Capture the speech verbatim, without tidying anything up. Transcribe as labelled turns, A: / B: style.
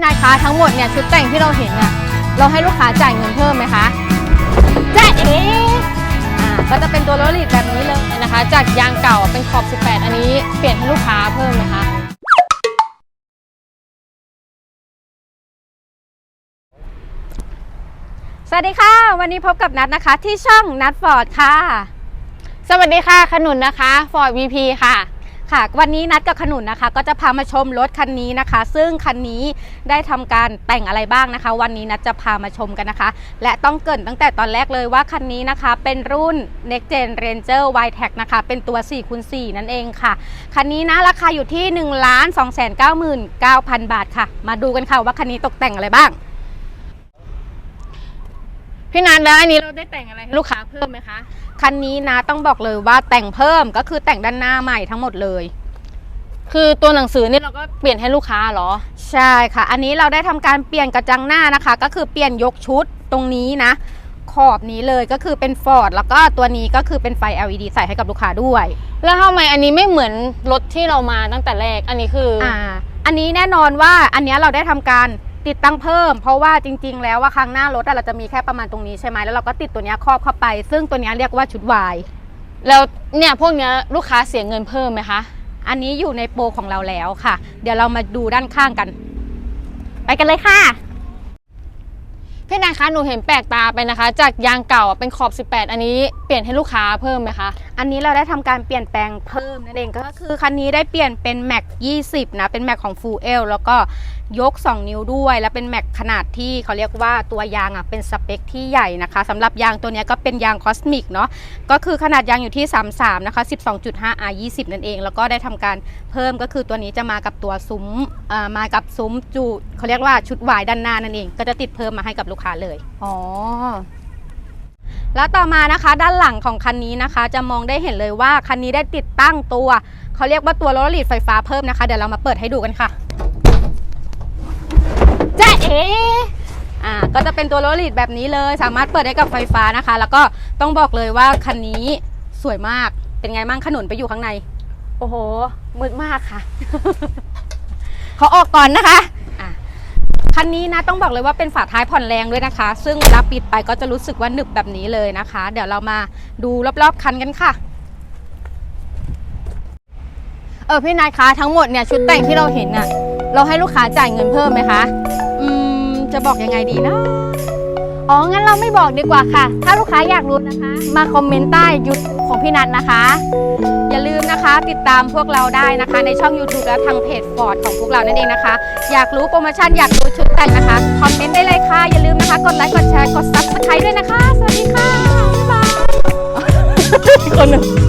A: นายคะทั้งหมดเนี่ยชุดแต่งที่เราเห็นเนี่ยเราให้ลูกค้าจ่ายเงินเพิ่มไหมคะจ่ายเองอ่าก็จะเป็นตัวโรลลิตแบบนี้เลยนะคะจากยางเก่าเป็นขอบสิบแปดอันนี้เปลี่ยนให้ลูกค้าเพิ่มไหมคะสวัสดีค่ะวันนี้พบกับนัทนะคะที่ช่องนัทฟอร์ดค่ะสวัสดีค่ะขนุนนะคะฟอร์ด วี พี ค่ะค่ะวันนี้นัดกับขนุนนะคะก็จะพามาชมรถคันนี้นะคะซึ่งคันนี้ได้ทำการแต่งอะไรบ้างนะคะวันนี้นัดจะพามาชมกันนะคะและต้องเกริ่นตั้งแต่ตอนแรกเลยว่าคันนี้นะคะเป็นรุ่น Next Gen Ranger Y-Tech นะคะเป็นตัว สี่คูณสี่ นั่นเองค่ะคันนี้นะราคาอยู่ที่ หนึ่งล้านสองแสนเก้าหมื่นเก้าพัน บาทค่ะมาดูกันค่ะว่าคันนี้ตกแต่งอะไรบ้างพี่นัทแล้วอันนี้เราได้แต่งอะไรให้ลูกค้าเพิ่มไหมคะคันนี้นะต้องบอกเลยว่าแต่งเพิ่มก็คือแต่งด้านหน้าใหม่ทั้งหมดเลยคือตัวหนังสือนี่เราก็เปลี่ยนให้ลูกค้าเหรอใช่ค่ะอันนี้เราได้ทำการเปลี่ยนกระจังหน้านะคะก็คือเปลี่ยนยกชุดตรงนี้นะขอบนี้เลยก็คือเป็นฟอร์ดแล้วก็ตัวนี้ก็คือเป็นไฟ แอล อี ดี ใส่ให้กับลูกค้าด้วยแล้วทำไมอันนี้ไม่เหมือนรถที่เรามาตั้งแต่แรกอันนี้คืออ่าอันนี้แน่นอนว่าอันนี้เราได้ทำการติดตั้งเพิ่มเพราะว่าจริงๆแล้วว่าข้างหน้ารถเราจะมีแค่ประมาณตรงนี้ใช่ไหมแล้วเราก็ติดตัวนี้ครอบเข้าไปซึ่งตัวนี้เรียกว่าชุดวายแล้วเนี่ยพวกนี้ลูกค้าเสียเงินเพิ่มไหมคะอันนี้อยู่ในโปรของเราแล้วค่ะเดี๋ยวเรามาดูด้านข้างกันไปกันเลยค่ะพี่นายคะหนูเห็นแปลกตาไปนะคะจากยางเก่าเป็นขอบสิบแปดอันนี้เปลี่ยนให้ลูกค้าเพิ่มไหมคะอันนี้เราได้ทำการเปลี่ยนแปลงเพิ่มนั่นเองก็คือคันนี้ได้เปลี่ยนเป็นแม็กยี่สิบนะเป็นแม็กของ Full L แล้วก็ยกสองนิ้วด้วยแล้วเป็นแม็กขนาดที่เขาเรียกว่าตัวยางอ่ะเป็นสเปคที่ใหญ่นะคะสำหรับยางตัวนี้ก็เป็นยางคอสมิกเนาะก็คือขนาดยางอยู่ที่สามสิบสามนะคะ สิบสองจุดห้า อาร์ ยี่สิบ นั่นเองแล้วก็ได้ทำการเพิ่มก็คือตัวนี้จะมากับตัวซุ้มอ่ามากับซุ้มจูเขาเรียกว่าชุดวายด้านหน้านั่นเองก็จะติดเพิ่มมาให้กับลูกค้าเลยอ๋อแล้วต่อมานะคะด้านหลังของคันนี้นะคะจะมองได้เห็นเลยว่าคันนี้ได้ติดตั้งตัวเขาเรียกว่าตัวโรลลิตไฟฟ้าเพิ่มนะคะเดี๋ยวเรามาเปิดให้ดูกันค่ะจ้าเอ๋อ่าก็จะเป็นตัวโรลลิตแบบนี้เลยสามารถเปิดได้กับไฟฟ้านะคะแล้วก็ต้องบอกเลยว่าคันนี้สวยมากเป็นไงมั่งขนุนไปอยู่ข้างในโอ้โหมืดมากค่ะ ขอออกก่อนนะคะคันนี้นะต้องบอกเลยว่าเป็นฝาท้ายผ่อนแรงด้วยนะคะซึ่งเวลาปิดไปก็จะรู้สึกว่าหนึบแบบนี้เลยนะคะเดี๋ยวเรามาดูรอบๆคันกันค่ะเออพี่นายคะทั้งหมดเนี่ยชุดแต่งที่เราเห็นน่ะเราให้ลูกค้าจ่ายเงินเพิ่มไหมคะอืมจะบอกยังไงดีนะอ๋องั้นเราไม่บอกดีกว่าค่ะถ้าลูกค้าอยากรู้นะคะมาคอมเมนต์ใต้ยุทธของพี่นัทนะคะอย่าลืมนะคะติดตามพวกเราได้นะคะในช่อง ยูทูบ และทางเพจฟอร์ดของพวกเรานั่นเองนะคะอยากรู้โปรโมชั่นอยากรู้ชุดแต่งนะคะคอมเมนต์ได้เลยค่ะอย่าลืมนะคะกดไลค์กดแชร์กดซับสไครบ์ด้วยนะคะสวัสดีค่ะบ๊ายบายคนหนึ่ง